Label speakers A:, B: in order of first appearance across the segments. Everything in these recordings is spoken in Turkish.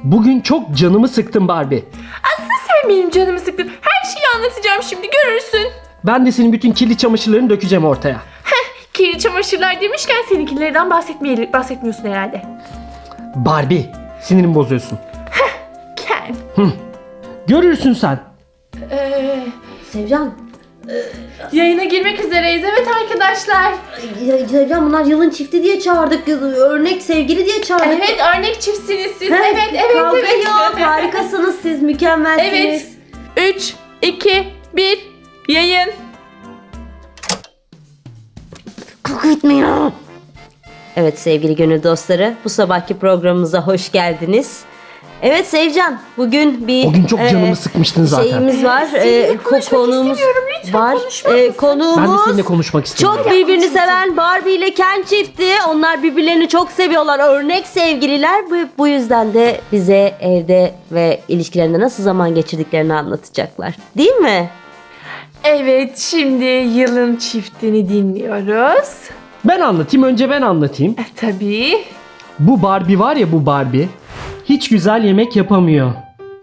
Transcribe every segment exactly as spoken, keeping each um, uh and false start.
A: Bugün çok canımı sıktın Barbie.
B: Aslında sen benim canımı sıktın. Her şeyi anlatacağım şimdi, görürsün.
A: Ben de senin bütün kirli çamaşırlarını dökeceğim ortaya.
B: Heh, kirli çamaşırlar demişken seninkilerden bahsetmeye, bahsetmiyorsun herhalde.
A: Barbie, sinirimi bozuyorsun.
B: Ken.
A: Hı. Görürsün sen.
B: Ee,
C: Sevcan.
B: yayına girmek üzereyiz. Evet arkadaşlar.
C: Ya, Sevcan bunlar yılın çifti diye çağırdık. Örnek sevgili diye çağırdık.
B: Evet, örnek çiftsiniz siz.
C: He,
B: Evet, evet,
C: kavga
B: evet.
C: yok. Harikasınız siz. Mükemmelsiniz.
B: Evet. üç, iki, bir, yayın.
C: Koku etmiyor. Evet sevgili gönül dostları, bu sabahki programımıza hoş geldiniz. Evet Sevcan, bugün bir
A: O gün çok
C: e,
A: canımı sıkmıştın zaten.
C: şeyimiz var.
B: Seninle
C: E,
B: konuşmak
C: konuğumuz
B: istemiyorum. Lütfen
C: var.
B: konuşmaz
C: E,
B: mısın?
C: konuğumuz
A: Ben de seninle konuşmak istiyorum.
C: çok birbirini seven Barbie ile Ken çifti. Onlar birbirlerini çok seviyorlar. Örnek sevgililer. Bu, bu yüzden de bize evde ve ilişkilerinde nasıl zaman geçirdiklerini anlatacaklar. Değil mi?
B: Evet, şimdi yılın çiftini dinliyoruz.
A: Ben anlatayım, önce ben anlatayım.
B: E, tabii.
A: Bu Barbie var ya, bu Barbie hiç güzel yemek yapamıyor.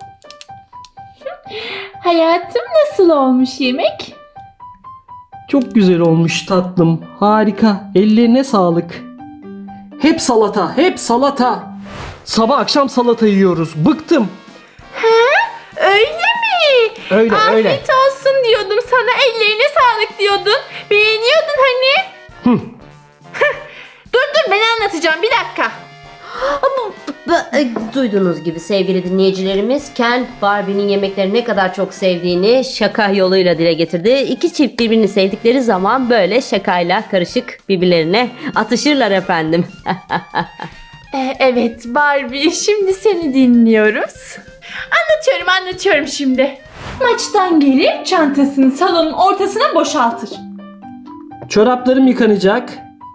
B: Hayatım, nasıl olmuş yemek?
A: Çok güzel olmuş tatlım. Harika. Ellerine sağlık. Hep salata, hep salata. Sabah akşam salata yiyoruz. Bıktım.
B: Öyle mi?
A: Öyle,
B: Afiyet
A: öyle.
B: olsun diyordum sana, ellerine sağlık diyordun. Beğeniyordun hani.
A: Hı.
B: Dur dur, ben anlatacağım, bir dakika.
C: Bu- e, Duyduğunuz gibi sevgili dinleyicilerimiz, Ken Barbie'nin yemekleri ne kadar çok sevdiğini şaka yoluyla dile getirdi. İki çift birbirini sevdikleri zaman böyle şakayla karışık birbirlerine atışırlar efendim.
B: Ee, evet Barbie, şimdi seni dinliyoruz. Anlatıyorum anlatıyorum şimdi. Maçtan gelir, çantasını salonun ortasına boşaltır.
A: Çoraplarım yıkanacak.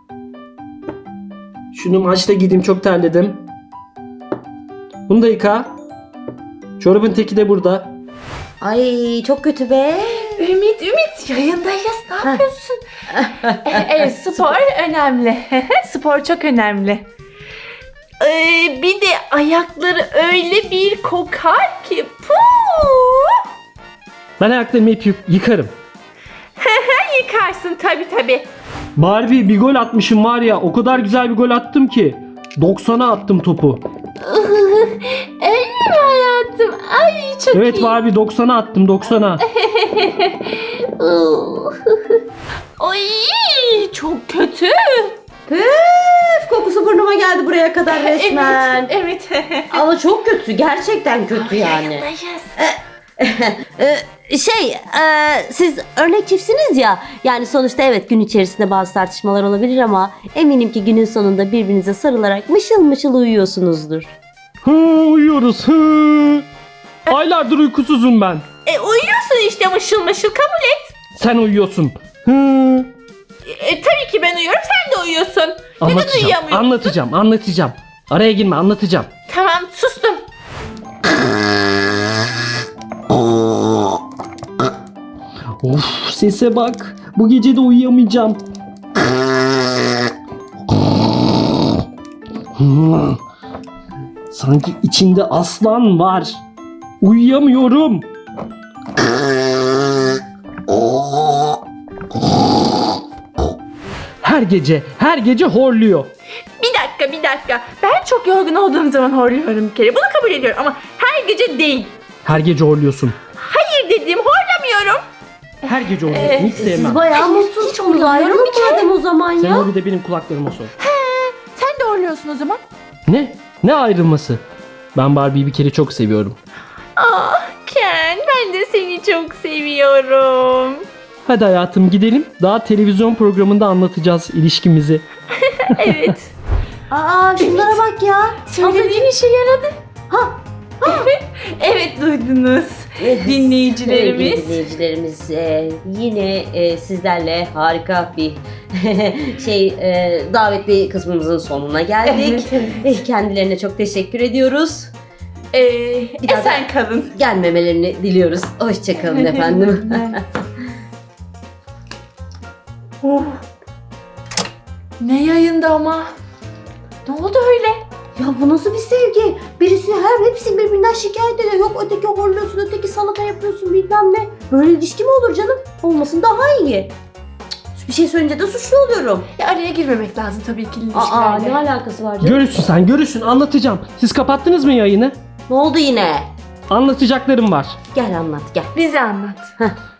A: Şunu maçta giydim, çok terledim. Bunu da yıka. Çorabın teki de burada.
C: Ay çok kötü be.
B: Ümit Ümit, yayındayız, ne yapıyorsun? Ee, evet, spor önemli. Spor çok önemli. Ee, bir de ayakları öyle bir kokar ki. Puh!
A: Ben ayaklarımı hep yı- yıkarım.
B: Yıkarsın tabii tabii.
A: Barbie, bir gol atmışım var ya, o kadar güzel bir gol attım ki. doksana attım topu.
B: Öyle mi hayatım? Ay çok
A: Evet
B: iyi.
A: Barbie, doksana attım, doksana.
B: Ay çok kötü.
C: Püf, kokusu burnuma geldi buraya kadar resmen.
B: Evet, evet.
C: Ama çok kötü, gerçekten kötü yani.
B: Yayındayız.
C: Ee, şey, e, siz örnek çiftsiniz ya. Yani sonuçta evet gün içerisinde bazı tartışmalar olabilir ama eminim ki günün sonunda birbirinize sarılarak mışıl mışıl uyuyorsunuzdur.
A: Hı, uyuyoruz. Hı. Aylardır uykusuzum ben.
B: E, uyuyorsun işte, mışıl mışıl, kabul et.
A: Sen uyuyorsun. Hı.
B: E, tabii ki ben uyuyorum, sen de uyuyorsun. Neden
A: Anlatacağım,
B: uyuyamıyorsun?
A: anlatacağım, anlatacağım. Araya girme, anlatacağım.
B: Tamam, sustum.
A: Of, sese bak. Bu gece de uyuyamayacağım. Hı. Sanki içinde aslan var. Uyuyamıyorum. Her gece, her gece horluyor.
B: Bir dakika, bir dakika. Ben çok yorgun olduğum zaman horluyorum bir kere. Bunu kabul ediyorum ama her gece değil.
A: Her gece horluyorsun.
B: Hayır dedim, horlamıyorum.
A: Her gece horluyorsun. Hiç
C: Siz
A: sevmem.
C: bayağı
B: Hiç
C: mutsuzsunuz.
B: horlamıyorum
C: Ayrılın
B: bir kere.
C: madem o zaman
A: Sen
C: ya.
A: o bir de benim kulaklarıma sor.
B: Sen de horluyorsun o zaman.
A: Ne? Ne ayrılması? Ben Barbie'yi bir kere çok seviyorum.
B: Ah Ken, ben de seni çok seviyorum.
A: Hadi hayatım gidelim. Daha televizyon programında anlatacağız ilişkimizi.
B: Evet.
C: Aa şunlara bak ya.
B: Söylediğin işe yaradı.
C: Ha.
B: Evet, evet duydunuz. Dinleyicilerimiz.
C: Sevgili dinleyicilerimiz e, yine e, sizlerle harika bir şey e, davetli kısmımızın sonuna geldik.
B: Evet,
C: Eh, Kendilerine çok teşekkür ediyoruz.
B: Ee,
C: Bir daha
B: esen kalın.
C: Gelmemelerini diliyoruz. Hoşçakalın efendim.
B: Oh. Ne yayında ama? Ne oldu öyle?
C: Ya bu nasıl bir sevgi? Birisi her hepsi birbirinden şikayet ediyor. Yok öteki horluyorsun, öteki salata yapıyorsun bilmem ne. Böyle ilişki mi olur canım? Olmasın daha iyi. Cık, bir şey söyleyince de suçlu oluyorum.
B: Ya araya girmemek lazım tabii ki ilişkilerle.
C: Aa ne alakası var canım?
A: Görürsün sen, görürsün, anlatacağım. Siz kapattınız mı yayını?
C: Ne oldu yine?
A: Anlatacaklarım var.
C: Gel anlat gel.
B: Bize anlat.
C: Heh.